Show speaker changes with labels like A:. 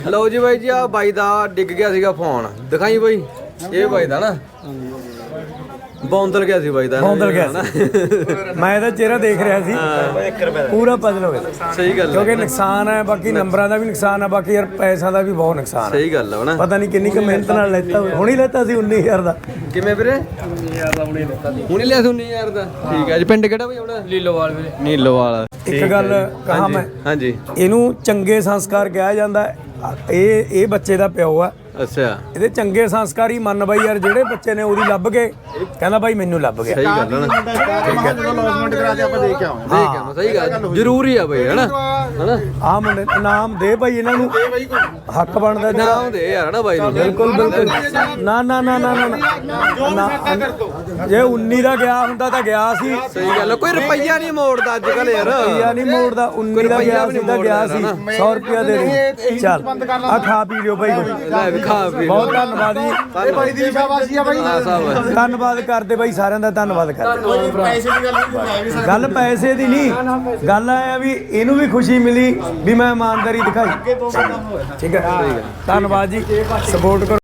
A: ਲਓ ਜੀ ਬਾਈ ਜੀ ਆ ਬਾਈ ਦਾ ਡਿੱਗ ਗਿਆ ਸੀਗਾ ਫੋਨ ਦਿਖਾਈ ਬਾਈ ਇਹ ਬਾਈ ਦਾ ਨਾ ਬੌਂਦਲ ਗਿਆ ਸੀ ਬਾਈ ਦਾ
B: ਬੌਂਦਲ ਗਿਆ ਸੀ ਮੈਂ ਇਹਦਾ ਚਿਹਰਾ ਦੇਖ ਰਿਹਾ ਸੀ ਪੂਰਾ ਪਜ਼ਲ ਹੋ ਗਿਆ
A: ਸਹੀ ਗੱਲ
B: ਕਿਉਂਕਿ ਨੁਕਸਾਨ ਹੈ ਬਾਕੀ ਨੰਬਰਾਂ ਦਾ ਵੀ ਨੁਕਸਾਨ ਹੈ ਬਾਕੀ ਯਾਰ ਪੈਸਾ ਦਾ ਵੀ ਬਹੁਤ ਨੁਕਸਾਨ ਹੈ
A: ਸਹੀ ਗੱਲ ਹੈ ਨਾ
B: ਪਤਾ ਨਹੀਂ ਕਿੰਨੀ ਕੁ ਮਿਹਨਤ ਨਾਲ ਲੈਤਾ ਹੁਣੀ ਲੈਤਾ ਸੀ 19000 ਦਾ
A: ਕਿਵੇਂ ਵੀਰੇ 19000 ਦਾ ਹੁਣੀ ਲਿਆ ਸੀ 19000 ਦਾ ਠੀਕ ਹੈ ਜੀ ਪਿੰਡ ਕਿਹੜਾ ਬਾਈ ਆਪਣਾ ਨੀਲੋਵਾਲ ਵੀਰੇ ਨੀਲੋਵਾਲ
B: ਇੱਕ ਗੱਲ ਕਹਾਂ ਮੈਂ
A: ਹਾਂਜੀ
B: ਇਹਨੂੰ ਚੰਗੇ ਸੰਸਕਾਰ ਕਿਹਾ ਜਾਂਦਾ ਇਹ ਬੱਚੇ ਦਾ ਪਿਓ ਆ
A: ਅੱਛਾ
B: ਇਹਦੇ ਚੰਗੇ ਸੰਸਕਾਰ ਹੀ ਮੰਨ ਬਾਈ ਯਾਰ ਜਿਹੜੇ ਬੱਚੇ ਨੇ ਉਹਦੀ ਲੱਭ ਕੇ ਕਹਿੰਦਾ ਬਾਈ ਮੈਨੂੰ ਲੱਭ ਗਿਆ
A: ਸਹੀ ਗੱਲ ਹੈ ਨਾ
C: ਲੌਸਮੈਂਟ ਕਰਾ ਕੇ ਆਪਾਂ ਦੇਖ ਕੇ ਆਵਾਂਗੇ
A: ਦੇਖ ਕੇ ਸਹੀ ਗੱਲ ਜ਼ਰੂਰੀ ਆ ਬਾਈ ਹੈਨਾ ਹੈਨਾ
B: ਆ ਮੁੰਡੇ ਨਾਮ ਦੇ ਭਾਈ ਇਹਨਾਂ ਨੂੰ ਹੱਕ ਬਣਦਾ
A: ਨਾਮ ਦੇ ਯਾਰ ਨਾ ਬਾਈ ਨੂੰ
B: ਬਿਲਕੁਲ ਬਿਲਕੁਲ ਨਾ ਨਾ ਨਾ ਨਾ ਨਾ ਜੇ 19 ਦਾ ਗਿਆ ਹੁੰਦਾ ਤਾਂ ਗਿਆ ਸੀ
A: ਸਹੀ ਗੱਲ ਕੋਈ ਰੁਪਈਆ ਨਹੀਂ ਮੋੜਦਾ ਅੱਜ ਕੱਲ ਯਾਰ
B: ਰੁਪਈਆ ਨਹੀਂ ਮੋੜਦਾ 19 ਦਾ ਗਿਆ ਸੀ ਤਾਂ ਗਿਆ ਸੀ 100 ਰੁਪਿਆ ਦੇ ਦੇ ਚੱਲ ਆ ਖਾ ਪੀ ਲਿਓ ਭਾਈ
A: ਲੈ ਵੀ ਖਾ ਪੀ
B: ਬਹੁਤ ਧੰਨਵਾਦ ਜੀ
C: ਇਹ ਬਾਈ ਦੀ ਸ਼ਾਬਾਸ਼ੀ ਆ ਬਾਈ
B: ਧੰਨਵਾਦ ਕਰਦੇ ਬਾਈ ਸਾਰਿਆਂ ਦਾ ਧੰਨਵਾਦ ਕਰਦੇ
C: ਪੈਸੇ ਦੀ ਗੱਲ ਨਹੀਂ ਵੀ
B: ਗੱਲ ਪੈਸੇ ਦੀ ਨਹੀਂ ਗੱਲ ਆ ਵੀ ਇਹਨੂੰ ਵੀ ਖੁਸ਼ੀ ਮਿਲੀ ਵੀ ਮੈਂ ਇਮਾਨਦਾਰੀ ਦਿਖਾਈ ਠੀਕ ਹੈ ਧੰਨਵਾਦ ਜੀ ਸਪੋਰਟ ਕਰੋ